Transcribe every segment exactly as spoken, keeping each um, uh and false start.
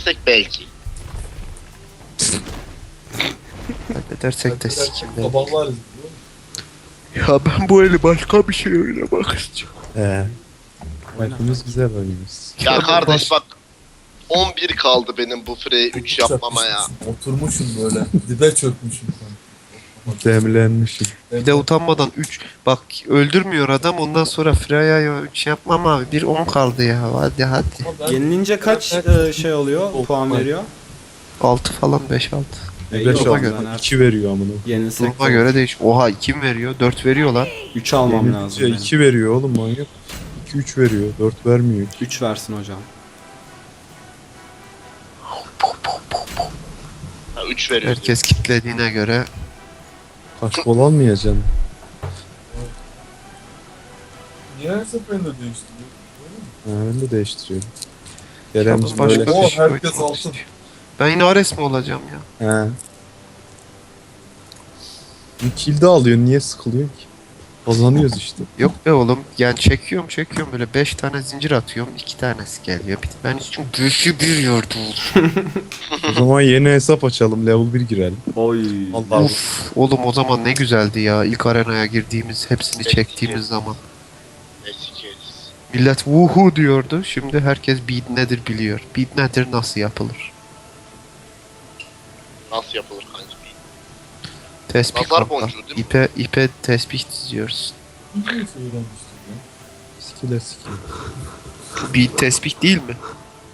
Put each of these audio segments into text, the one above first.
halledersek belki. Halledersek de sikimde. Sabahlar Ya ben bu eli başka bir şey oynamak istiyorum. He. Maçımız güzel oynuyoruz. Ya kardeş bak on bir kaldı benim bu Frey'e üç yapmama ya. Oturmuşum böyle. Dibe çökmüşüm sen. Demlenmişim. Bir de utanmadan üç. Bak öldürmüyor adam ondan sonra Freya üç yapmam abi. Bir on kaldı ya. Hadi hadi. Ama ben- Yenilince kaç e, şey oluyor? Puan veriyor? altı falan beş altı. E, beş yok, aldı. ben artık iki veriyor amına. Yenilsek Duruma göre değiş. Oha iki mi veriyor? dört veriyor lan. üç almam lazım. benim. iki veriyor oğlum manyak. iki üç veriyor. dört vermiyor. üç versin hocam. Ha, üç veriyor. Herkes kitlediğine göre. Kaç gol almayacaksın? Niye her seferinde değiştiriyor? Ha, ben de değiştiriyorum. Kerem'cim Başka böyle. bir Oo, şey herkes oynamak altın. istiyor. Ben yine Ares mi olacağım ya? He. Bir kill de alıyorsun. Niye sıkılıyorsun ki? Kazanıyoruz işte. Yok be oğlum. Yani çekiyorum çekiyorum böyle beş tane zincir atıyorum. iki tanesi geliyor. Bir- Ben için güçlü bir yordum. O zaman yeni hesap açalım. Level bir girelim. Oy. Allah Uf, oğlum o zaman ne güzeldi ya. İlk arenaya girdiğimiz, hepsini Evet, çektiğimiz evet. zaman. Eski. Millet wuhu diyordu. Şimdi herkes beat nedir biliyor. Beat nedir nasıl yapılır? Nasıl yapılır kanka? Tespih Nazar kanka. boncuğu değil mi? İpe, ipe tespih diziyoruz. Bir şey öğrenmiştim ya. Skill'e skill. Beat tespih değil mi?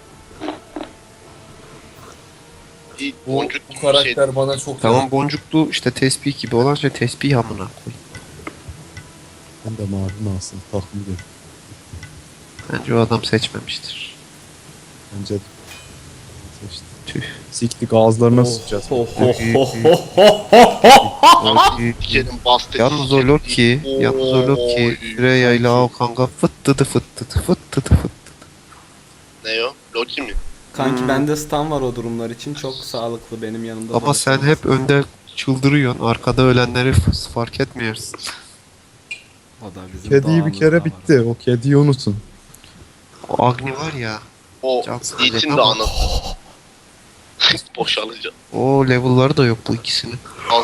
Bir Bu, boncuk bu gibi bir şey. karakter bana çok Tamam boncuklu işte tespih gibi olan şey tespih amına koy. Ben de mavi masum takım ediyorum. Bence o adam seçmemiştir. Bence de. İşte. Tüh. Siktik ağızlarına sıçacağız. Ho ho ho ho ho ho. Abi dikenin bastı. Yalnız o Loki, yalnız o Loki, Oy. Freya ile o kanka fıttıdı fıttıdı fıttıdı fıttıdı. Ne o? Loki mi? Kanki Hmm. bende stun var o durumlar için çok sağlıklı benim yanımda. Ama dolaşan. sen hep önde çıldırıyorsun, arkada ölenleri f- fark etmiyorsun. O da bizim Kediyi bir doğamızda kere var. bitti. O kediyi unutun. O Agni var ya, O Can sıkıcı için de ama- anı. Boşalacak. o level'ları da yok bu ikisinin. Az.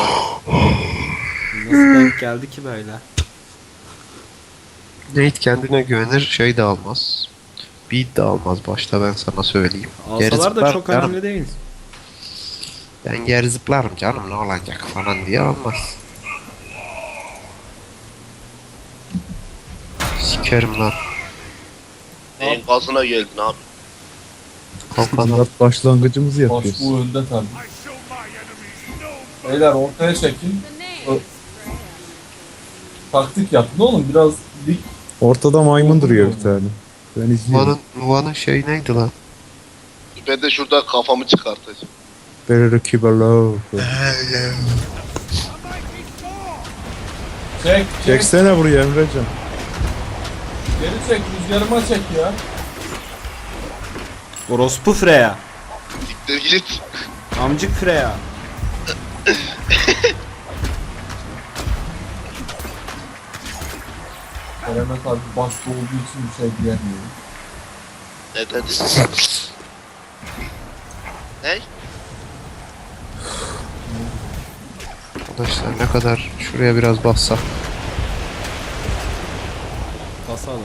Nasıl denk geldi ki böyle? Nate kendine güvenir, şey de almaz. Beat de almaz başta ben sana söyleyeyim. Geri Alsalar da zıplar çok canım. önemli değil. Ben geri zıplarım canım ne olacak falan diye almaz. Sikerim lan. Neyin gazına geldin abi. Kalkadan. Murat başlangıcımızı Baş yapıyoruz. bu önde tabii. Beyler ortaya çekin. Ö- Taktik yapın oğlum biraz dik. Ortada maymun duruyor bir tane. Ben izliyorum. Nuva'nın, Nuva'nın şey neydi lan? Ben de şurada kafamı çıkartacağım. Better keep low. Çek çek. Çeksene buraya Emrecan. Geri çek rüzgarıma çek ya. Orospu Freya. Siktir git. Amcık Freya. Kerem'e tabi başta olduğu için bir şey diyemiyorum. Ne dedi? Ne? Arkadaşlar ne kadar şuraya biraz bassak. Basalım.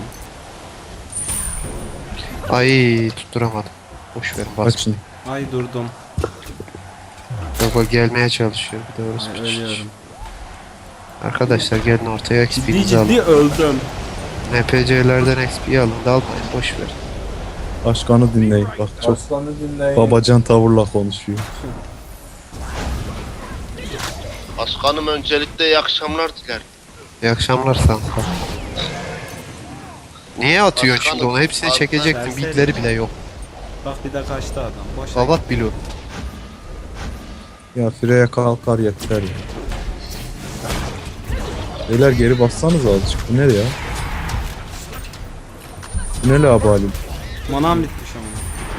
Ay tutturamadım. Boş verin bas. Açın. Ay durdum. Baba gelmeye çalışıyor bir de orası Ay, bir ölüyorum. Arkadaşlar gelin ortaya Ciddi X P'nizi alın. ciddi öldüm. N P C'lerden X P alın da almayın boş verin. Başkanı dinleyin. Bak çok Başkanı dinleyin. babacan tavırla konuşuyor. Başkanım öncelikle iyi akşamlar dilerim. İyi akşamlar kanka. Niye atıyorsun Başkanım, şimdi onu? Hepsini az- çekecektin. versene. Beatleri bile yok. Bak bir de kaçtı adam. Boş ver. Babat bilo. Ya Freya kalkar yeter ya. Beyler geri bassanız azıcık. Bu ne ya? Bu ne la halim? Manam bitmiş ama.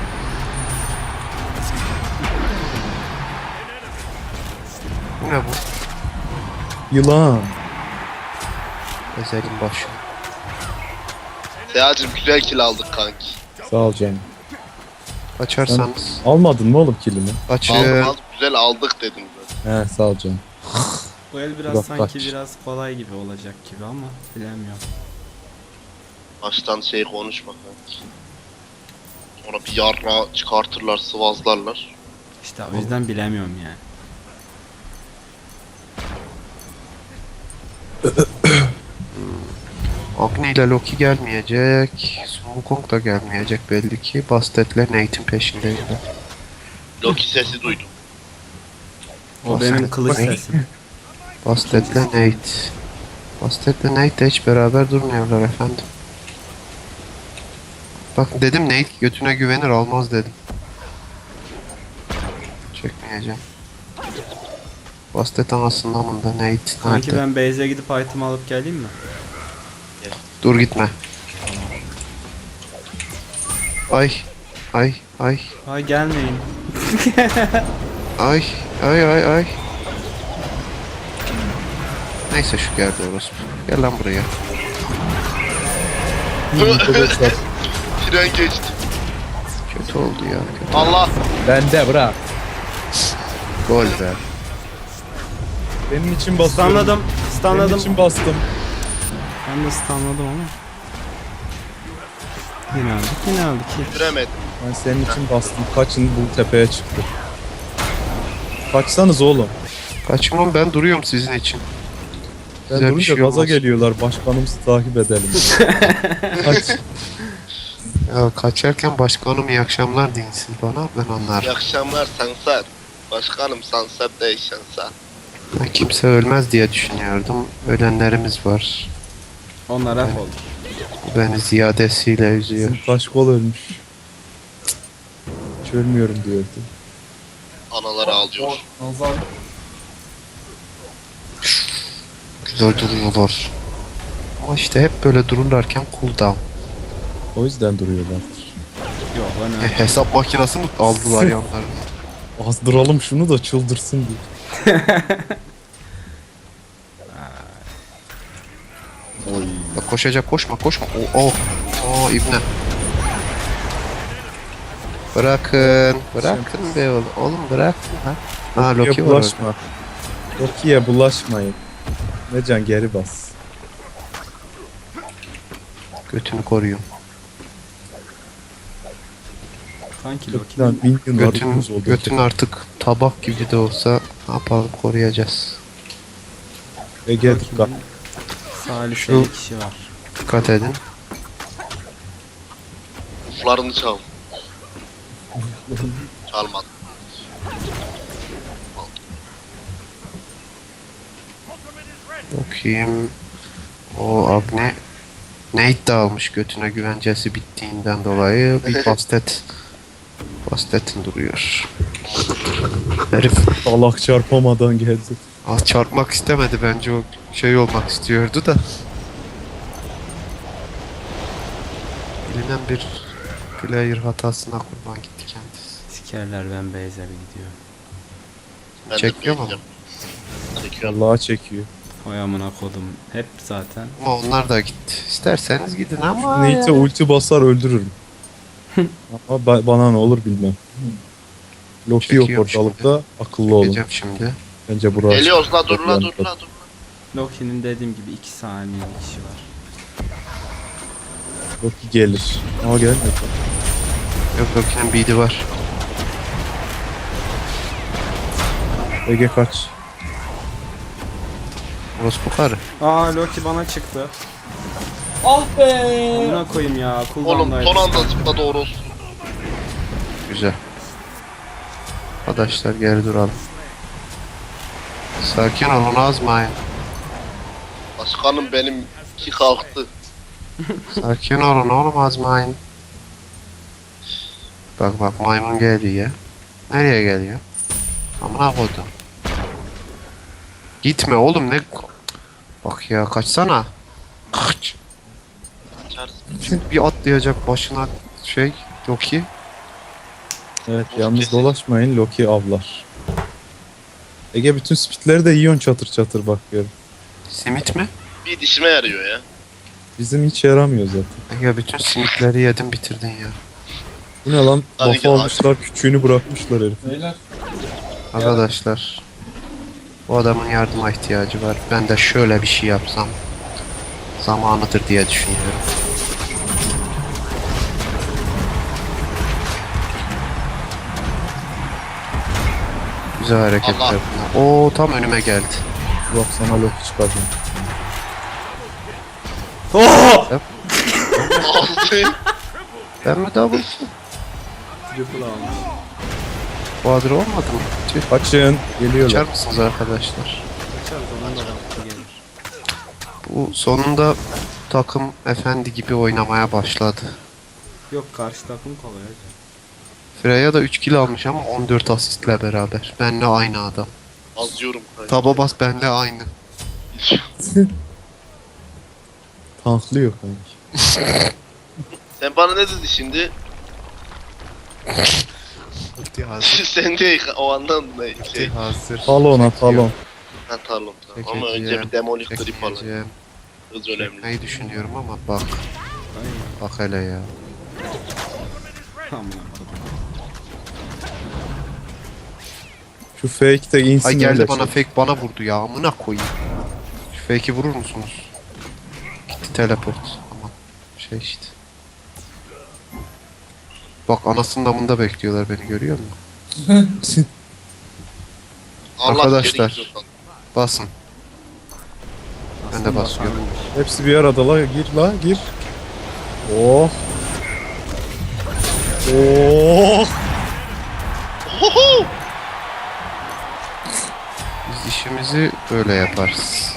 Bu ne bu? Yılan. Ezelin başı. Seyacım güzel kill aldık kanki. Sağ ol canım. Kaçarsanız. Almadın mı oğlum kilimi? Kaçın. Aldık aldık güzel aldık dedim ben. He sağ ol canım. Bu el biraz Bak, sanki bak. biraz kolay gibi olacak gibi ama bilemiyorum. Baştan şey konuşma kanki. Sonra bir yarra çıkartırlar, sıvazlarlar. İşte o yüzden bilemiyorum yani. Agni ile Loki gelmeyecek. Sun Wukong da gelmeyecek belli ki. Basted'le Nate'in peşindeyim ben. Loki sesi duydum. O Bak benim sen- kılıç bak- sesim. Basted'le Nate. Basted'le Nate de hiç beraber durmuyorlar efendim. Bak dedim Nate götüne güvenir almaz dedim. Çekmeyeceğim. Bastet anasından bunda Nate Kanki nerede? ben base'e gidip item alıp geleyim mi? Dur gitme. Ay. Ay. Ay. Ay gelmeyin. Ay. Ay ay ay. Neyse şu geldi orospu. Gel lan buraya. Arkadaşlar Tren geçti. Kötü oldu ya. Kötü. Allah! bende bırak. Gol be. Benim için basıyorum. Stunladım. Benim Stunladım. için bastım. Ben de stunladım ama. Yine aldık yine aldık. Bitiremedim. Ben senin için bastım. Kaçın bu tepeye çıktı. Kaçsanız oğlum. Kaçın oğlum ben duruyorum sizin için. Ben Güzel bir durunca şey gaza olmaz. geliyorlar. Başkanımızı takip edelim. Kaç. Ya kaçarken başkanım iyi akşamlar değilsin bana ben İyi anlarım. akşamlar Sansar. Başkanım Sansar değil Sansar. Ben kimse ölmez diye düşünüyordum. Ölenlerimiz var. Onlar hep oldu. Bu beni ziyadesiyle üzüyor. Bizim taş kol ölmüş. Hiç ölmüyorum diyordu. Anaları ağlıyor. Nazar. Güzel duruyorlar. Ama işte hep böyle dururlarken cooldown. O yüzden duruyorlardır. Yok E, lan öyle. hesap makinesi mi aldılar yanlarına? Azdıralım şunu da çıldırsın diye. Oy. Bak koşacak koşma koşma. Oh oh. Oh ibne. Bırakın. Bırakın be oğlum. Oğlum bırakın ha. Ha Loki Loki'ye var orada. bulaşma. Loki'ye bulaşmayın. Necan geri bas. Götünü koruyun. Kanki Loki'den Loki'nin bin yıl Götün, arıyoruz oldu. götün artık tabak gibi de olsa ne yapalım koruyacağız. Ege dikkat. Loki'nin saliseli kişi var. Dikkat edin. Uflarını çal. Çalmadım. Bakayım. O Agne Nate de almış götüne güvencesi bittiğinden dolayı bir bastet Bastet'in duruyor. Herif Salak çarpamadan geldi. az çarpmak istemedi bence o şey olmak istiyordu da. Bilinen bir player hatasına kurban gitti kendisi. Sikerler ben base'e bir gidiyorum. Ben de Çekiyor mu? bekleyeceğim. Çekiyorum. Allah'a çekiyor. Oy amına kodum. Hep zaten. Ama onlar da gitti. İsterseniz gidin ama Nate'e ulti basar öldürürüm. Ama ba- bana ne olur bilmem. Loki yok Çekiyor ortalıkta. Akıllı olun. gideceğim şimdi. Bence burası. Geliyoruz la dur la dur la dur. Loki'nin dediğim gibi iki saniye kişi var. Loki gelir. Ama gelmedi. Yok Loki'nin beat'i var. Ege kaç. Orospu karı. Aa Loki bana çıktı. Ah be. Amına koyayım ya. Oğlum Cooldown'daydı. son anda zıpladı orospu. Güzel. Arkadaşlar geri duralım. Sakin olun azmayın. Başkanım benim ki kalktı. Sakin olun oğlum azmayın. Bak bak maymun geliyor. Nereye geliyor? Amına koydum. Gitme oğlum ne... Bak ya kaçsana. Kaç. Kaçarsın. Şimdi bir atlayacak başına şey Loki. Evet Loki yalnız kesin. dolaşmayın. Loki avlar. Ege bütün speedleri de yiyorsun çatır çatır bakıyorum. Simit mi? Bir dişime yarıyor ya. Bizim hiç yaramıyor zaten. Ya bütün simitleri yedin bitirdin ya. Bu ne lan? Hadi Lafa gel, almışlar, küçüğünü bırakmışlar herif. Beyler. Arkadaşlar. Bu adamın yardıma ihtiyacı var. Ben de şöyle bir şey yapsam zamanıdır diye düşünüyorum. Güzel hareketler Allah. bunlar. Oo, tam önüme geldi. Bak sana Loki çıkaracağım. Oh! Aldı. Ben mi double? Triple almış. Quadro olmadı mı? Tüh. Kaçın. Geliyorlar. Açar mısınız arkadaşlar? Kaçar zaman da vakti gelir. Bu sonunda takım efendi gibi oynamaya başladı. Yok karşı takım kolay. Freya da üç kill almış ama on dört asistle beraber. Benle aynı adam. Azıyorum. Taba bas benle aynı. Tanklıyor kanki. Sen bana ne dedi şimdi? Ulti hazır. Sen değil o andan ne Ulti şey. hazır. Talona talon. Ha tamam tamam. Ama önce Çekeceğim, bir demolik grip alalım. çekeceğim. Hız önemli. Çekmeyi düşünüyorum ama bak. Aynen. Bak hele ya. Tamam. Şu fake de insin Ay geldi öyle bana çek. fake bana vurdu ya. Amına koyayım. Şu fake'i vurur musunuz? Gitti teleport. Aman şey işte. Bak anasının damında bekliyorlar beni, görüyor musun? Allah Arkadaşlar. geri gidiyor. Basın. Ben de basıyorum. Hepsi bir arada la, gir la, gir. Oh. Oh. Ohoho! Biz işimizi böyle yaparız.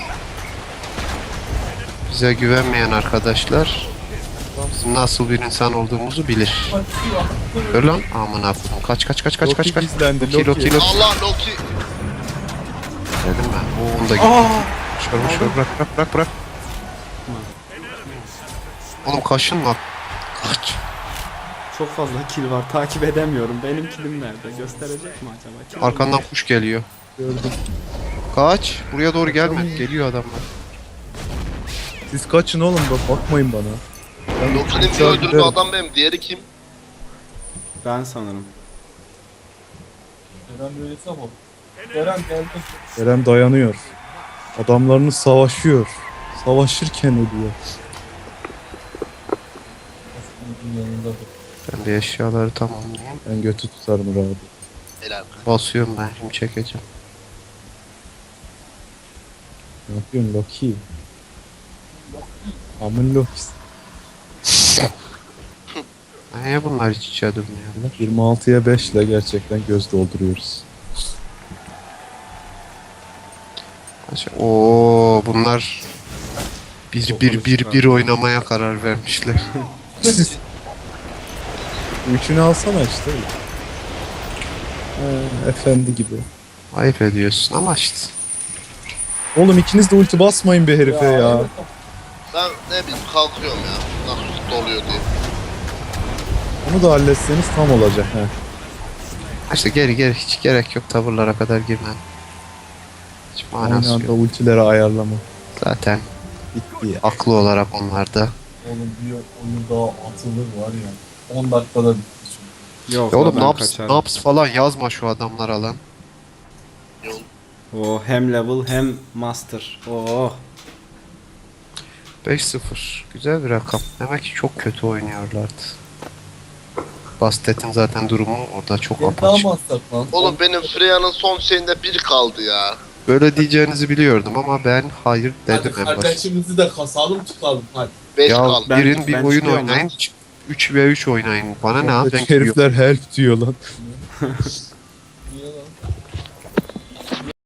Bize güvenmeyen arkadaşlar bizim nasıl bir insan olduğumuzu bilir. Dur lan, aman abim. Kaç kaç kaç kaç Loki kaç kaç. gizlendi, Loki Loki. Loki Loki. Allah Loki. Dedim ben. O onda gitti. Şöyle şöyle bırak bırak bırak bırak. Oğlum kaşınma. Kaç. Çok fazla kill var. Takip edemiyorum. Benim killim nerede? Gösterecek mi acaba? Kill Arkandan kuş geliyor. Gördüm. Kaç. Buraya doğru gelme. Geliyor adamlar. Siz kaçın oğlum bak, bakmayın bana. Ben Loki'nin bir uçağa öldürdüğü giderim. adam benim. Diğeri kim? Ben sanırım. Eren böylesi ama. Eren geldi. Eren dayanıyor. Adamlarını savaşıyor. Savaşırken ölüyor. Aslında yanındadır. Ben bir eşyaları tamamlayayım. Ben götü tutarım rahat. Helal. Basıyorum ben. Şimdi çekeceğim. Ne yapıyorsun Loki? Amın Loki'si. Niye bunlar hiç içe durmuyorlar? yirmi altıya beş ile gerçekten göz dolduruyoruz. Oo, bunlar bir bir bir bir oynamaya karar vermişler. Üçünü alsana işte. Ee, efendi gibi. Ayıp ediyorsun ama işte. Oğlum ikiniz de ulti basmayın be herife ya. Ben ne bileyim kalkıyorum ya. Nasıl doluyor diye. Onu da halletseniz tam olacak. He. İşte geri geri hiç gerek yok tavırlara kadar girmem. Hiç Aynı manası anda yok. ultileri ayarlama. Zaten Bitti ya. aklı olarak onlarda. Oğlum bir oyun daha atılır var ya. on dakikada bitti. Yok Ya oğlum ben naps, kaçarım. naps falan yazma şu adamlara lan. Yol. O hem level hem master. Oo. beş sıfır. Güzel bir rakam. Demek ki çok kötü oynuyorlardı. Bastet'in zaten durumu orada çok Gel daha apaçık. mı atsak lan? Oğlum benim Freya'nın son şeyinde bir kaldı ya. Böyle diyeceğinizi biliyordum ama ben hayır Hadi dedim en başta. kardeşimizi de kasalım çıkalım hadi. beş Ya kaldı. Ben- girin bir ben oyun çıkıyorum oynayın. üç ve üç oynayın. Bana ne abi, ben Herifler help diyor lan.